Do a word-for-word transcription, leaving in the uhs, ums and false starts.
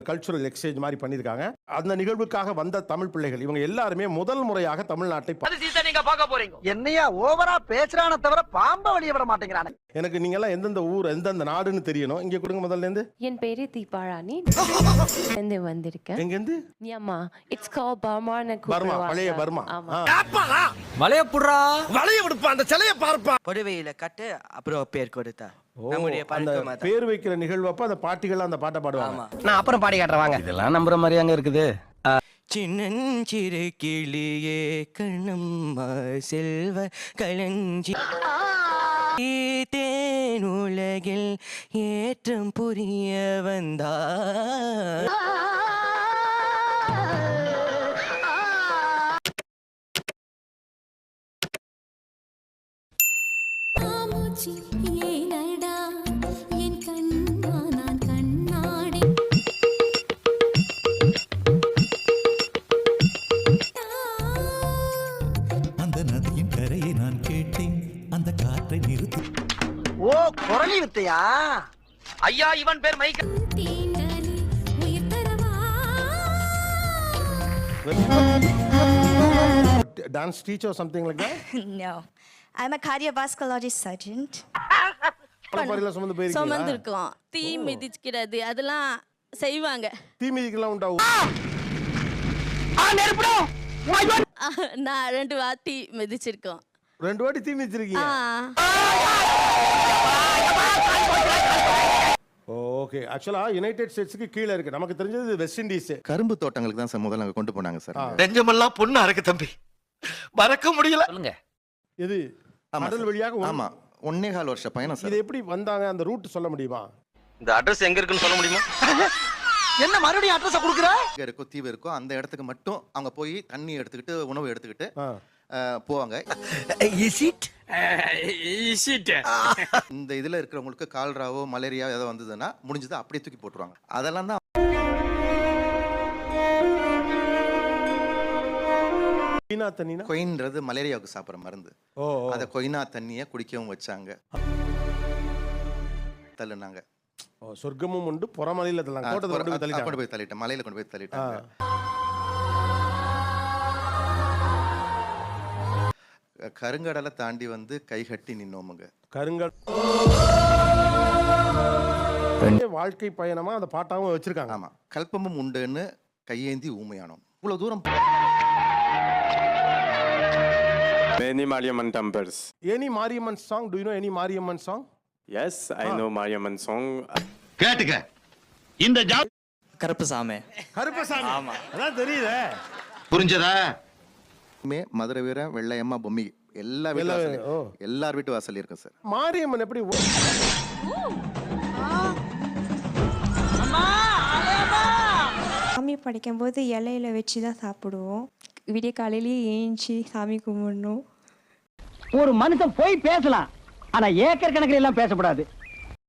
Cultural exchange மாதிரி பண்ணிருக்காங்க. அந்த நிகழ்வுக்காக வந்த தமிழ் பிள்ளைகள் இவங்க எல்லாருமே முதல் முறையாக தமிழ்நாட்டை நீங்க பார்க்க போறீங்க. என்னையா ஓவரா பேசுறானே தவிர பாம்ப வெளிய விட மாட்டேங்கிறானே. எனக்கு நீங்க எல்லாம் எந்தெந்த ஊர் எந்தெந்த நாடுன்னு தெரியணும். இங்க கொடுங்க முதல்ல இருந்து. என் பேரு தீபாராணி. எங்க வந்திருக்கேன். எங்க இருந்து? யம்மா. It's called Burma. பர்மா, பழைய பர்மா. ஆமா. வளைய புடுறா. வளைய விடுப்பா அந்த சிலைய பார்ப்பா. புடவையில கட்டு அப்புறம் பேர் கொடுத்தா. நம்முடைய பழக்கம் அத. பேர் வைக்கிற நிகழ்வப்ப அந்த பாட்டிகள் அந்த பாட்டை பாடுவாங்க. நான் அப்புறம் பாடி காட்டுறேன் வாங்க. இதெல்லாம் நம்புற மாதிரி அங்க இருக்குது. சின்னஞ்சிறு கிளியே கண்ணம்மா செல்வ களஞ்சி தேனுலகில் ஏற்றம் புரிய வந்தா ஓ குரலி வித்தையா ஐயா இவன் பேர் Michael. Dance teacher or something like that? No, I'm a cardiovascular surgeon. பரபரல சுமந்து போயிருக்கீங்க. சுமந்திருக்கோம். தீ மிதிக்கிறது அதெல்லாம் செய்வாங்க. தீ மிதிக்கலாம் உண்டாவும். ஆ நெருப்புடா. நான் ரெண்டு வாட்டி மிதிச்சிருக்கோம். ரெண்டு வாட்டி தீ மிதிச்சிருக்கீங்க. ஓகே. ஆக்சுவலா யுனைடெட் ஸ்டேட்ஸ்க்கு கீழ இருக்கு. நமக்கு தெரிஞ்சது வெஸ்ட் இண்டீஸ். கரும்பு தோட்டங்களுக்கு தான் சார் முதல்ல அங்க கொண்டு போனாங்க சார். நெஞ்சமெல்லாம் பொண்ணா இருக்கு தம்பி. மறக்க முடியல. சொல்லுங்க. இது கடல் வழியாக. ஆமா. ஒன்னே கால் வருஷ பயணம் சார். இது எப்படி வந்தாங்க அந்த ரூட் சொல்ல முடியுமா? இந்த அட்ரஸ் எங்க இருக்குன்னு சொல்ல முடியுமா? என்ன மறுபடியும் அட்ரஸ் கொடுக்குற? இங்க இருக்கோ தீவு இருக்கோ அந்த இடத்துக்கு மட்டும் அவங்க போய் தண்ணி எடுத்துக்கிட்டு உணவு எடுத்துக்கிட்டு போவாங்க. இஸ் இட் இஸ் இட் இந்த இதுல இருக்கிறவங்களுக்கு கால்ராவோ மலேரியா ஏதோ வந்ததுன்னா முடிஞ்சது அப்படியே தூக்கி போட்டுருவாங்க. அதெல்லாம் தான் கொய்னா தண்ணினா கொயின்றது மலேரியாவுக்கு சாப்பிட்ற மருந்து. ஓ அத கொய்னா தண்ணியை குடிக்கவும் வச்சாங்க. தள்ளுனாங்க. ஓ சொர்க்கமும் உண்டு புறமலையில தள்ளாங்க. கோட்டை கொண்டு போய் தள்ளிட்டாங்க. கொண்டு போய் தள்ளிட்டாங்க. மலையில கொண்டு போய் தள்ளிட்டாங்க. கருங்கடலை தாண்டி வந்து கைகட்டி நின்னோமுங்க. கருங்கல் வாழ்க்கை பயணமா அந்த பாட்டாவும் வச்சிருக்காங்க. ஆமா. கல்பமும் உண்டுன்னு கையேந்தி ஊமையானோம். இவ்வளவு தூரம். Many Mariamman temples. Any Mariamman song? Do you know any Mariamman song? Yes, I know Mariamman song. கேட்டுக்க. இந்த ஜாப் கருப்பசாமி. கருப்பசாமி. ஆமா. அதான் தெரியுதே. புரிஞ்சதா? மே மதுரை வீர வெள்ளையம்மா பொம்மி எல்லா வீட்டு எல்லார் வீட்டு வாசல் இருக்கு சார். மாரியம்மன் எப்படி சாமி படிக்கும்போது இலையில வச்சு தான் சாப்பிடுவோம். விடிய காலையிலேயே ஏஞ்சி சாமி கும்பிடணும். ஒரு மனுஷன் போய் பேசலாம், ஆனா ஏக்கர் கணக்கில் எல்லாம் பேசக்கூடாது.